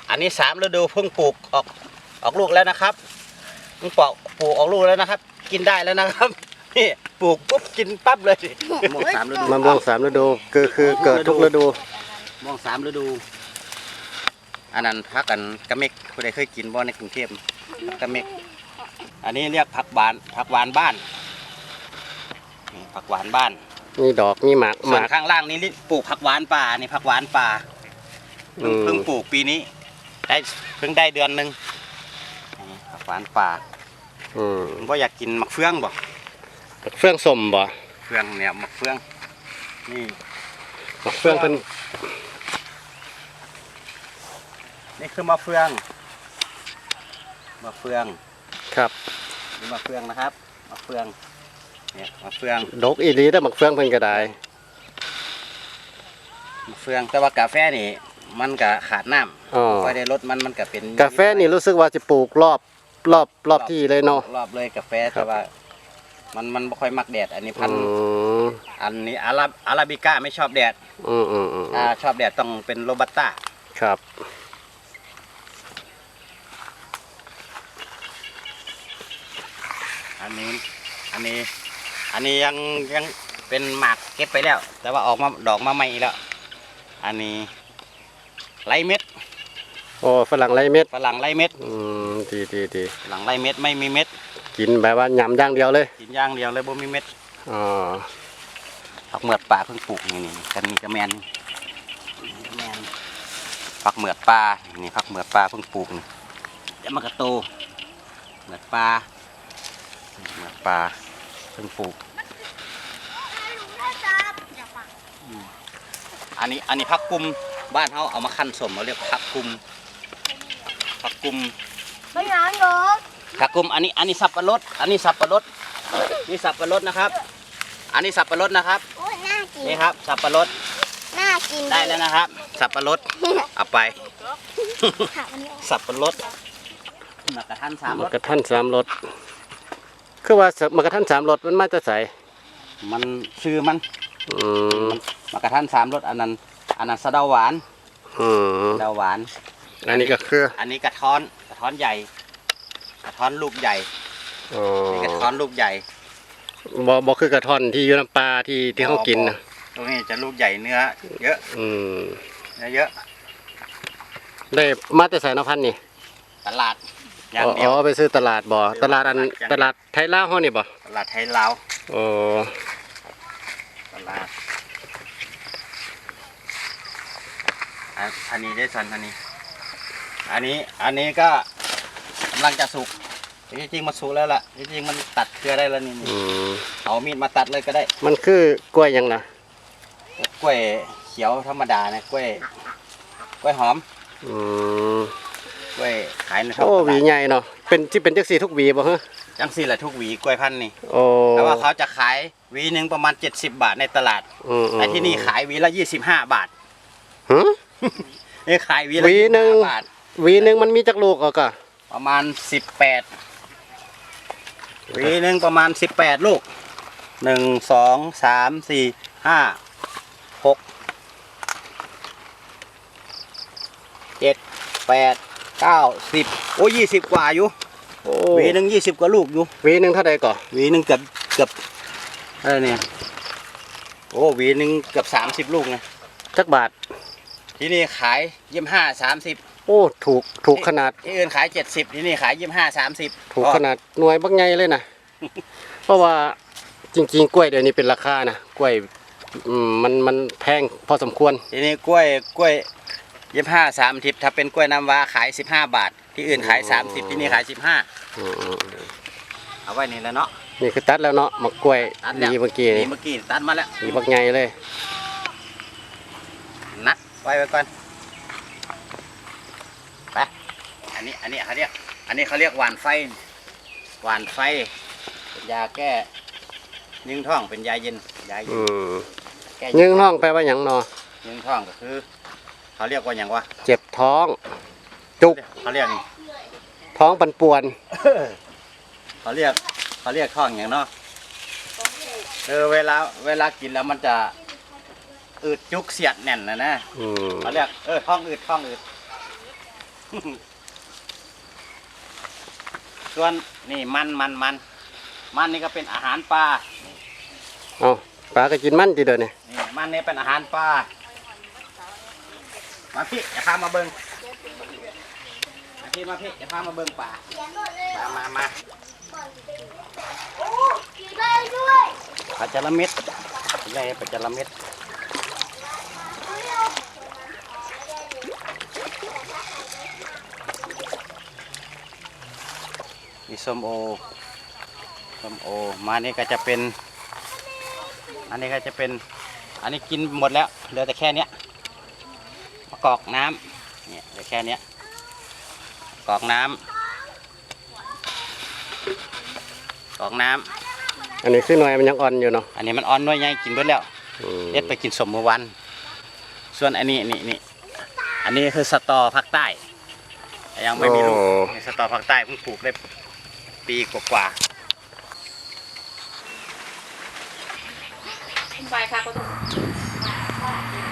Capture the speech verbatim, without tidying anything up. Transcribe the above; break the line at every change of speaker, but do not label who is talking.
อันนี้สามฤดูเพิ่งปลูกออกออกลูกแล้วนะครับเพิ่งปลูกปลูกออกลูกแล้วนะครับ กินได้แล้วนะครับนี่ปลูกปุ๊บกินปั๊บเลยมะม่วงสามฤดู
มะม่วงสามฤดูคือคือเกิดทุกฤดู
มะม่วงสามฤดูอันนั้นพักกันกระเม็กผู้ใดเคยกินบ่ในกรุงเทพกระเม็กอันนี้เรียกผักหวานผักหวานบ้านนี่ผักหวานบ้าน
มีดอกมีหมากห
ส่ว
มาน ก
ข้างล่างนี้ปลูกผักหวานป่านี่ผักหวานป่าเพิ่ง
อืม
เพิ่งปลูกปีนี้ได้เพิ่งได้เดือนหนึ่งนี่ผักหวานป่า
อืม
ผมก็อยากกินมะเฟืองบ่
เฟื่องสมบ่
เฟืองเนี่ยมะเฟืองนี่
เฟื่องเป็น
นี่คือมะเฟืองมะเฟือง
ครับ
นี่มะเฟืองนะครับมะเฟืองเนี่ยมะเฟือง
ดอกอีหลีได้อมักเฟื่องเพิ่นก็ได้
มะเฟืองแต่ว่ากาแฟนี่มันก็ขาดน้
อ๋อ
ำค่อยได้รสมันมันก็เป็น
กาแฟนี่รู้สึกว่าจะปลูกรอบรอบรอบที่เลยเนาะ
รอบเลยกาแฟ
ครั
แต่
บ
ว่ามันมันไม่ค่อยมักแดดอันนี้พั
อื
นธุ์
ม
อันนี้อาราอาราบิก้าไม่ชอบแดด
อืมอืมอืม
ถ้าชอบแดดต้องเป็นโรบัสต้า
ครับ
อันนี้อันนี้อันนี้ยังยังเป็นหมากเก็บไปแล้ว แต่ว่าออกมาดอกมาใหม่อีกแล้วอันนี้ไรเม็ด
โอ้ฝรั่งไรเม็ด
ฝรั่งไรเม็ด
อืมดีดีดี
ฝรั่งไรเม็ดไม่มีเม็ด
กินแบบว่ายำอย่างเดียวเลย
กินอย่างเดียวเลยบ่มีเม็ด
อ๋อ
ผักเหมือดป่าเพิ่งปลูกนี่นี่กันนี่กระแมนนี่กระแมนผักเหมือดป่านี่ผักเหมือดป่าเพิ่งปลูกนี่เดี๋ยวมันก็โตเหมือดป่าเหมือดป่าเพิ่งปลูกอันนี้อันนี้ผักกุมบ้านเขาเอามาคั่นสมเขาเรียกผักกุมผักกุม
ไม่ร้านหรอ
ผักกุมอันนี้อันนี้สับปะรดอันนี้สับปะรดนี่สับปะรดนะครับ อันนี้สับปะรดนะครับ
โอ้ยน่ากิน
นี่ครับสับปะรด
น่ากิน
ได้แล้วนะครับ สับปะรดเอาไป
ค่ะวันนี้
สับปะรดมากระทันสามร
มั
ส
กกระทันสามรสคือว่ามักกระทันสามรสมันมาจะใส่
มันซื้อมัน
อืม
มากระทันสามรสอันนั้นอันนั้นสะเดาหวาน
อืม
สะเดาหวาน
อันนี้ก็คือ
อันนี้กระท้อนกระท้อนใหญ่ กระท้อนลูกใหญ่
อ๋อ
นี่กระท้อนลูกใหญ่
บ่บ่คือกระท่อนที่อยู่น้ำปลาที่ที่เขากินนะ
ตรงนี้จะลูกใหญ่เนื้อเยอะ
อืม
เนื้อเยอะ
ได้มาแต่ใส่นพันธุ์นี่
ตลาดอย่าง
อ๋อ
เดียว
อ๋อไปซื้อตลาดบ่ตลาดอันตลาดไทยลาวเฮานี่บ่
ตลาดไทยลาว
โอ้
ตลาดอันอันนี้ได้สันอันนี้ อันนี้อันนี้ก็กำลังจะสุกจริงๆมันสุกแล้วล่ะจริงๆมันตัดเครือได้แล้วนี่
อืม
เอามีดมาตัดเลยก็ได้
มันคือกล้วยหยังนะ
กล้วยเขียวธรรมดานะกล้วยกล้วยหอม
อืม
กล้วยขายในท้อง
โอ้
ต
หวี
ลาด
ใหญ่เนาะเป็นที่เป็นจักสีทุกหวีบ่ฮะ
จังสี่แหละทุกหวีกล้วยพันธุ์นี่
โอ้
แต่ว่าเขาจะขายหวีหนึ่งประมาณเจ็ดสิบบาทในตลาด
อืม
แต่ที่นี่ขายหวีละยี่สิบห้าบาท
ฮะ
นี่ขายหวีละ
หวีหนึ่ง
ยี่สิบห้าบาท
หวีหนึงมันมีจักลูกเอาก็
ประมาณสิบแปดหวีหนึ่งประมาณสิบแปดลูกหนึ่งสองสามสี่ห้าหกเจ็ดแปดเก้าสิบโอ้ยี่สิบกว่าอยู่
โอ้
หวีหนึ่งยี่สิบกว่าลูกอยู่
หวีหนึงเท่าใดก่อ
หวีหนึ่งเกือบเกือบอะไรเนี่ยโอ้หวีหนึ่งเกือบสามสิบลูกนะ
จักบาท
ที่นี่ขายยี่ห้าสามสิบ
โอ้ถูกถูกขนาด
ที่อื่นขายเจ็ดสิบที่นี่ขายยี่ห้าสามสิบ
ถูกขนาดหน่วยบักใหญ่เลยนะ เพราะว่าจริงๆกล้วยเดี๋ยวนี้เป็นราคานะกล้วยอืมมันมันแพงพอสมควร
ทีนี้กล้วยกล้วยยี่ห้าสามสิบถ้าเป็นกล้วยน้ำว้าขายสิบห้าบาท ที่อื่นขายสามสิบที่นี่ขายสิบห้า
อืม
เอาไว้นี่แล้วเนาะ
นี่คือตัดแล้วเนาะมะกล้วย
ตัดแล้ว
ดีเมื่อกี้
นี่
นี่
เมื่อกี้ตัดมาแล้ว
ดีบักใหญ่เลย
นัดไว้ไว้ก่อนไปอันนี้อันนี้เขาเรียกอันนี้เขาเรียกหวานไฟหวานไฟเป็นยาแก้ยิงท้องเป็นยาเย็นยาเย็
อื
น
ม
แก้
ยึงท้องแปลว่าหยังเนาะ
ยิงท้องก็คือ เขาเรียกว่าอย่างวะ
เจ็บท้อง จุก
เขาเรียกนี่
ท้องปันป่วน
เขาเรียกเขาเรียกท้องอย่างเนาะเออเวลาเวลากินแล้วมันจะอืดจุกเสียดแน่นนะนะ
อืม
เขาเรียกเออท้องอืดท้องอืดส่วนนี่มันมันมันมันนี่ก็เป็นอาหารปลา
เอาปลาก็กินมันทีเดียวนี่
นี่มันนี่เป็นอาหารปลามาพี่จะพามาเบิ้งมาพี่มาพี่จะพามาเบิ้งป่ามามามา
โอ้กินได้ด้วย
ปลาจระเม็ดนี่ปลาจระเม็ดมีส้มโอส้มโอมานี่ก็จะเป็นอันนี้ก็จะเป็นอันนี้กินหมดแล้วเหลือแต่แค่เนี้ยมะกอกน้ำเนี่ยเหลือแค่เนี้ยกอกน้ำกอกน้ำ
อันนี้คือหน่วยมันยังอ่อนอยู่เนาะ
อันนี้มันอ่อนน้อยใหญ่กินเบิดแล้ว
อืม
เอ็ดไปกินสมเมื่อวันส่วนอันนี้นี่นี่อันนี้คือสตอภาคใต้ยังไม่มีลูกนี่สตอภาคใต้เพิ่งปลูกได้ปีกว่า
ไปค่ะก็ต้อง